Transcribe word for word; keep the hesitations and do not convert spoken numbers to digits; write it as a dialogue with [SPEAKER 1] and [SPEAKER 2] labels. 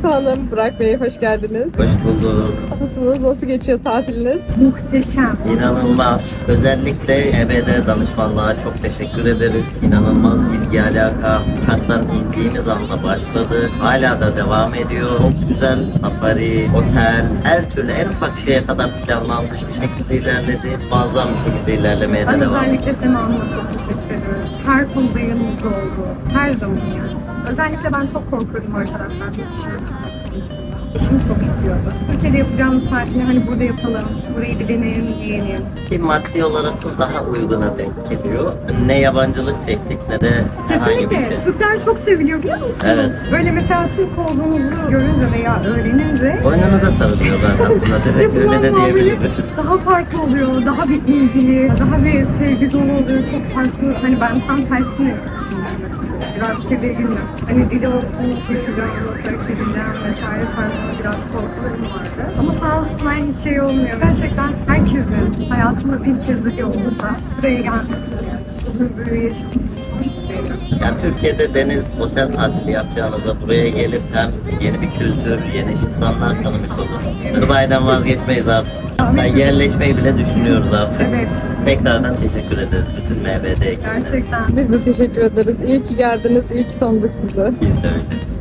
[SPEAKER 1] Cansu Hanım, Burak Bey hoş geldiniz.
[SPEAKER 2] Hoş bulduk.
[SPEAKER 1] Nasılsınız? Nasıl geçiyor tatiliniz?
[SPEAKER 3] Muhteşem.
[SPEAKER 2] İnanılmaz. Özellikle E B D danışmanlığa çok teşekkür ederiz. İnanılmaz ilgi alaka. Uçaktan indiğimiz anda başladı. Hala da devam ediyor. Çok güzel safari, otel, her türlü en ufak şeye kadar planlanmış bir şekilde ilerledi. Muazzam bir şekilde ilerlemeye de
[SPEAKER 3] Ben
[SPEAKER 2] devam ediyor.
[SPEAKER 3] özellikle Sema Hanım'a çok teşekkür ediyorum. Her konuda yanımızda oldu. Her zaman yani. Özellikle ben çok korkuyordum arkadaşlar bu dışarı çıkmak. Eşim çok istiyordu. Ülkede yapacağımız tatili hani burada yapalım, burayı bir deneyelim, diyelim.
[SPEAKER 2] Ki maddi olarak da daha uyguna denk geliyor. Ne yabancılık çektik ne de herhangi bir şey.
[SPEAKER 3] Kesinlikle. Türkler çok seviliyor biliyor musunuz?
[SPEAKER 2] Evet.
[SPEAKER 3] Böyle mesela Türk olduğunuzu görünce veya öğrenince
[SPEAKER 2] Boynunuza sarılıyorlar aslında. Direkt öyle de
[SPEAKER 3] yapılan muamele
[SPEAKER 2] diyebiliriz.
[SPEAKER 3] daha farklı oluyor, daha bir ilgili, daha bir sevgi dolu oluyor, çok farklı. Hani ben tam tersini düşünmüşüm açıkçası. Biraz tedirgindim. Hani dili olsun, çekeceğim, nasıl hareket edeceğim vesaire tarzında biraz korkularım vardı. Ama sağ olsunlar hiç şey olmuyor. Gerçekten herkesin hayatında bir kez bile olursa buraya gelmesini, bu böyle yaşamasını çok isterim.
[SPEAKER 2] Yani Türkiye'de deniz, otel tatili yapacağınıza buraya gelip hem yeni bir kültür, yeni insanlar tanımış olur. Dubai'den vazgeçmeyiz artık. Hatta yerleşmeyi bile düşünüyoruz artık.
[SPEAKER 3] Evet.
[SPEAKER 2] Tekrardan teşekkür ederiz bütün M B D ekibine.
[SPEAKER 3] Gerçekten.
[SPEAKER 1] Biz de teşekkür ederiz. İyi ki geldiniz, iyi ki tanıdık sizi.
[SPEAKER 2] Biz de öyle.